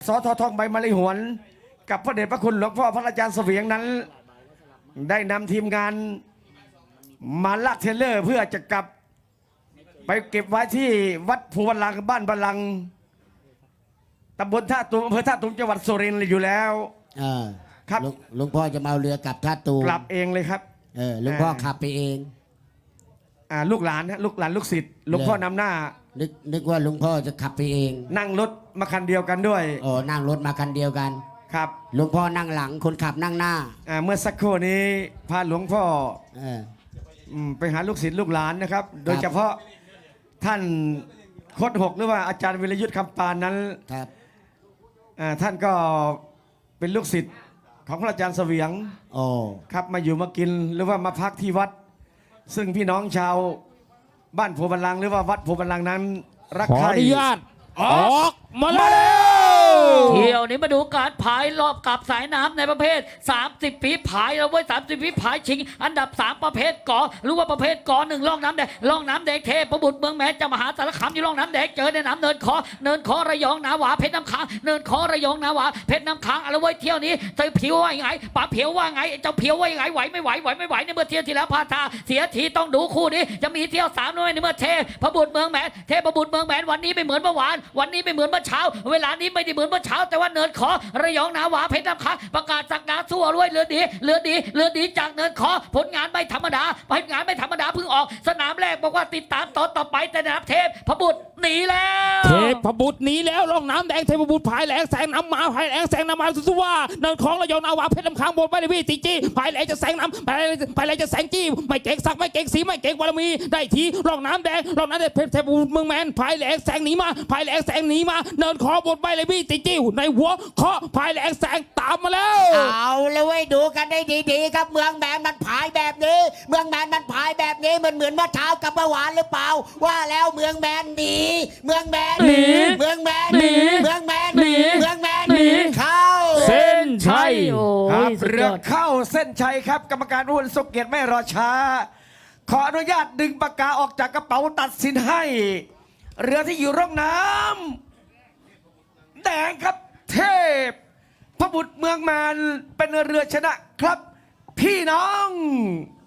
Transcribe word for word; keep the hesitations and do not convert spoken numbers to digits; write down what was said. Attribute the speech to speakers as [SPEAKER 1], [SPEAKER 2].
[SPEAKER 1] สททองใบมะลิหวนกับพระเดชพระคุณหลวงพ่อพระอาจารย์เสวียงนั้น ได้นำทีมงานมาลากเทรลเลอร์เพื่อจะกลับไปเก็บไว้ที่วัดภูบัลลังก์บ้านบัลลังก์ตำบลท่าตูมอำเภอท่าตูมจังหวัดสุรินทร์อยู่แล้วครับ
[SPEAKER 2] หลวงพ่อจะมาเอาเรือกลับท่าตูม
[SPEAKER 1] กลับเองเลยครับ
[SPEAKER 2] เออหลวงพ่อขับไปเอง
[SPEAKER 1] อ่าลูกหลานฮะลูกหลานลูกศิษย์หลวงพ่อนำหน้า
[SPEAKER 2] นึกนึกว่าหลวงพ่อจะขับไปเอง
[SPEAKER 1] นั่งรถมาคันเดียวกันด้วย
[SPEAKER 2] อ๋อนั่งรถมาคันเดียวกัน
[SPEAKER 1] ครับ
[SPEAKER 2] หลวงพ่อนั่งหลังคนขับนั่งหน้า
[SPEAKER 1] อ่าเมื่อสักครู่นี้พาหลวงพ่อ
[SPEAKER 2] เออ
[SPEAKER 1] ไปหาลูกศิษย์ลูกหลานนะครับ โดยเฉพาะท่านโคตรหกหรือว่าอาจารย์วิรยุทธ์คำปานนั้น
[SPEAKER 2] ครับ
[SPEAKER 1] ท่านก็เป็นลูกศิษย์ของพระอาจารย์เสวียง
[SPEAKER 2] โอ้
[SPEAKER 1] ครับมาอยู่มากินหรือว่ามาพักที่วัด ซึ่งพี่น้องชาวบ้านโพบัลลังก์หรือว่าวัดโพบัลลังก์นั้นรักใคร
[SPEAKER 3] ขออนุญาตออกมาแล้ว
[SPEAKER 4] เที่ยวนี้มาดูการพายรอบกับสายน้ำในประเภทสามสิบฝีพายเราไว้สามสิบฝีพายชิงอันดับสามประเภทกอหรือว่าประเภทกอหนึ่งล่องน้ำแดงล่องน้ำแดงเทพบุตรเมืองแม้จะมหาสารคามอยู่ล่องน้ำแดงเจอในน้ำเนินคอเนินคอระยองนาหวาเพชรน้ำค้างเนินคอระยองนาหวาเพชรน้ำค้างเอาไว้เที่ยวนี้เตยผิวว่าไงป๋าเผียวว่าไงเจ้าเผียวว่าไงไหวไม่ไหวไหวไม่ไหวในเมื่อเที่ยวที่แล้วพาทาเสียทีต้องดูคู่นี้จะมีเที่ยวสามด้วยในเมื่อเทพบุตรเมืองแม้เทพบุตรเมืองแม้วันนี้ไม่เหมือนเมื่อวานวันนี้ไม่เหมือนเมื่อเช้าเวลานี้ไม่ได้เหมือนเมื่อเช้าแต่ว่าเนินคอระยองนาหวาเพชรน้ำค้างประกาศสักดาสู้รวยเรือดีเรือดีเรือดีจากเนินคอผลงานไม่ธรรมดาผลงานไม่ธรรมดาเพิ่งออกสนามแรกบอกว่าติดตามต่อต่อไปแต่นะครับเทพพบุตรหนีแล้ว
[SPEAKER 3] เทพบุตรหนีแล้วล่องน้ำแดงเทพบุตรพายแหลงแสงน้ำมาพายแหลงแสงน้ำมาสุว่าเนินของระยองนาหวาเพชรน้ำค้างบนไปเลยพี่จีจีพายแหลงจะแสงน้ำพายพายแหลงจะแสงจี้ไม่เก่งสักไม่เก่งสีไม่เก่งบารมีได้ทีล่องน้ำแดงล่องน้ำแดงเทพบุตรเมืองแมนพายแหลงแสงหนีมาพายแหลงแสงหนีมาเนินขอบนไปเลยพี่จีจีในหัวเคาะพายแหลงแสงตามมาแล้ว
[SPEAKER 2] เอาเลยเว้ยดูกันได้ดีๆครับเมืองแมนมันพายแบบนี้เมืองแมนมันพายแบบนี้มันเหมือนเมื่อเช้ากับเมื่อวานหรือเปล่าว่าแล้วเมืองแมนหนีเมืองแมนหนีเมืองแมนหนีเมืองแมนหนีเมืองแมนหนีเข้า
[SPEAKER 3] เส้นชัย
[SPEAKER 1] ครับเรือเข้าเส้นชัยครับกรรมการอ้วนสุกเกียรติไม่รอช้าขออนุญาตดึงปากกาออกจากกระเป๋าตัดสินให้เรือที่อยู่ร่องน้ำแดงครับเทพพระบุตรเมืองแมนเป็นเรือชนะครับพี่น้อง